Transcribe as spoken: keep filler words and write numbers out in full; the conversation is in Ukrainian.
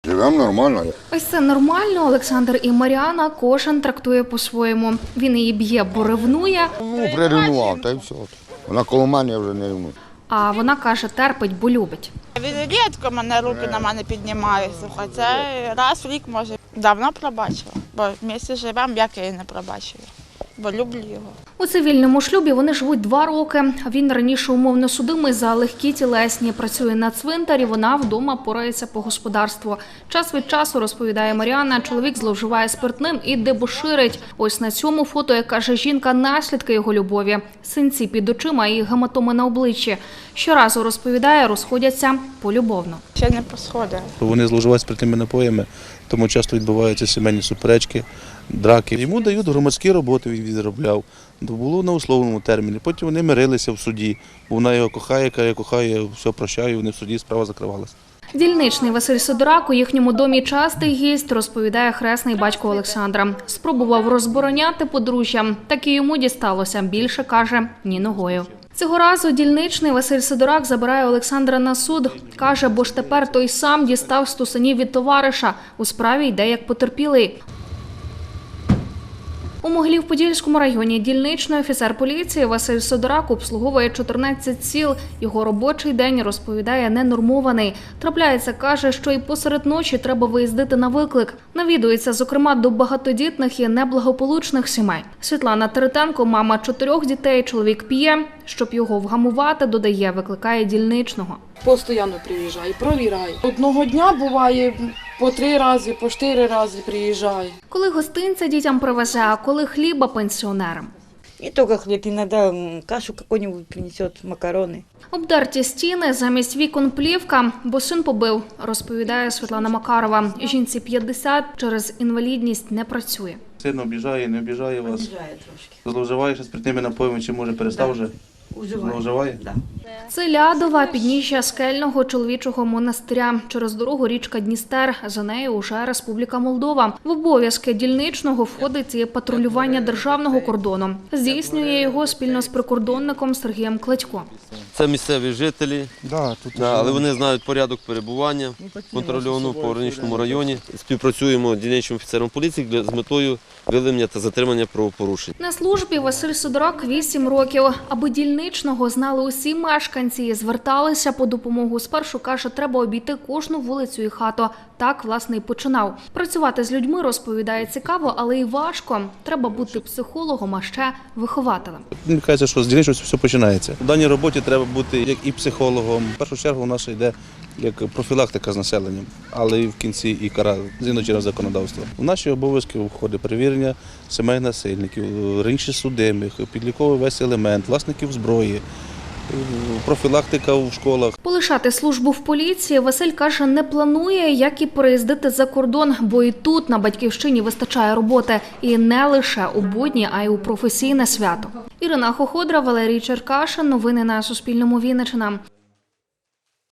Живемо нормально. Ось це нормально. Олександр і Мар'яна кожен трактує по-своєму. Він її б'є, бо ревнує, Ну, приревнував, та й все. Вона коло мене, я вже не ревную. а вона каже, терпить, бо любить. Він рідко мене руки на мене піднімає. Слухай, це раз в рік може. Давно пробачила, бо в місті живемо, як я її не пробачила, бо люблю його. У цивільному шлюбі вони живуть два роки. Він раніше умовно судимий за легкі тілесні. Працює на цвинтарі, вона вдома порається по господарству. Час від часу, розповідає Мар'яна, чоловік зловживає спиртним і дебоширить. Ось на цьому фото, як каже жінка, наслідки його любові. Синці під очима і гематоми на обличчі. Щоразу, розповідає, розходяться полюбовно. Ще не посходила. Вони зловживають спиртними напоями, тому часто відбуваються сімейні суперечки, драки. Йому дають громадські роботи, він відробляв. Було на условному терміні. Потім вони мирилися в суді, бо вона його кохає, каже, я кохаю, все прощаю, вони в суді, справа закривалася. Дільничний Василь Сидорак у їхньому домі частий гість, розповідає хресний батько Олександра. Спробував розбороняти подружжя, так і йому дісталося. Більше, каже, ні ногою. Цього разу дільничний Василь Сидорак забирає Олександра на суд. Каже, бо ж тепер той сам дістав стусанів від товариша. У справі йде як потерпілий. У Могилів-Подільському районі дільничний офіцер поліції Василь Сидорак обслуговує чотирнадцять сіл. Його робочий день, розповідає, ненормований. Трапляється, каже, що і посеред ночі треба виїздити на виклик. Навідується, зокрема, до багатодітних і неблагополучних сімей. Світлана Теретенко, мама чотирьох дітей, чоловік п'є. Щоб його вгамувати, додає, викликає дільничного. Постійно приїжджає, провіряє. Одного дня буває по три рази, по чотири рази приїжджає. Коли гостинця дітям привезе, а коли хліба пенсіонерам. Не только хлеб, иногда кашу какую-нибудь принесет, макароны. Обдерті стіни, замість вікон плівка, бо син побив, розповідає Світлана Макарова. Жінці п'ятдесят, через інвалідність не працює. Син обіжає, не обіжає вас? Обижает трошки. Зловживає ще спиртними напоями, чи може перестав вже? Уживает. Зловживає? Да. Це Лядова, підніжжя скельного чоловічого монастиря. Через дорогу річка Дністер, за нею уже Республіка Молдова. В обов'язки дільничного входить і патрулювання державного кордону. Здійснює його спільно з прикордонником Сергієм Кладько. Це місцеві жителі, Да, тут да, але вони знають порядок перебування контрольованого по граничному районі. Співпрацюємо з дільничним офіцером поліції для- з метою виявлення та затримання правопорушень. На службі Василь Сидорак вісім років. Аби дільничного знали усі мешканці і зверталися по допомогу. Спершу, каже, треба обійти кожну вулицю і хату. Так, власне, і починав. Працювати з людьми, розповідає, цікаво, але й важко. Треба бути психологом, а ще вихователем. Мені кажеться, що з дільничності все починається. У даній роботі треба бути як і психологом. В першу чергу у нас ще йде як профілактика з населенням, але і в кінці і кара згідно чинного законодавства. У наші обов'язки входить перевірення сімей насильників, раніше судимих, підліковий весь елемент, власників зброї, профілактика в школах. Полишати службу в поліції Василь, каже, не планує, як і переїздити за кордон, бо і тут на батьківщині вистачає роботи. І не лише у будні, а й у професійне свято. Ірина Хоходра, Валерій Черкашин. Новини на Суспільному. Вінниччина.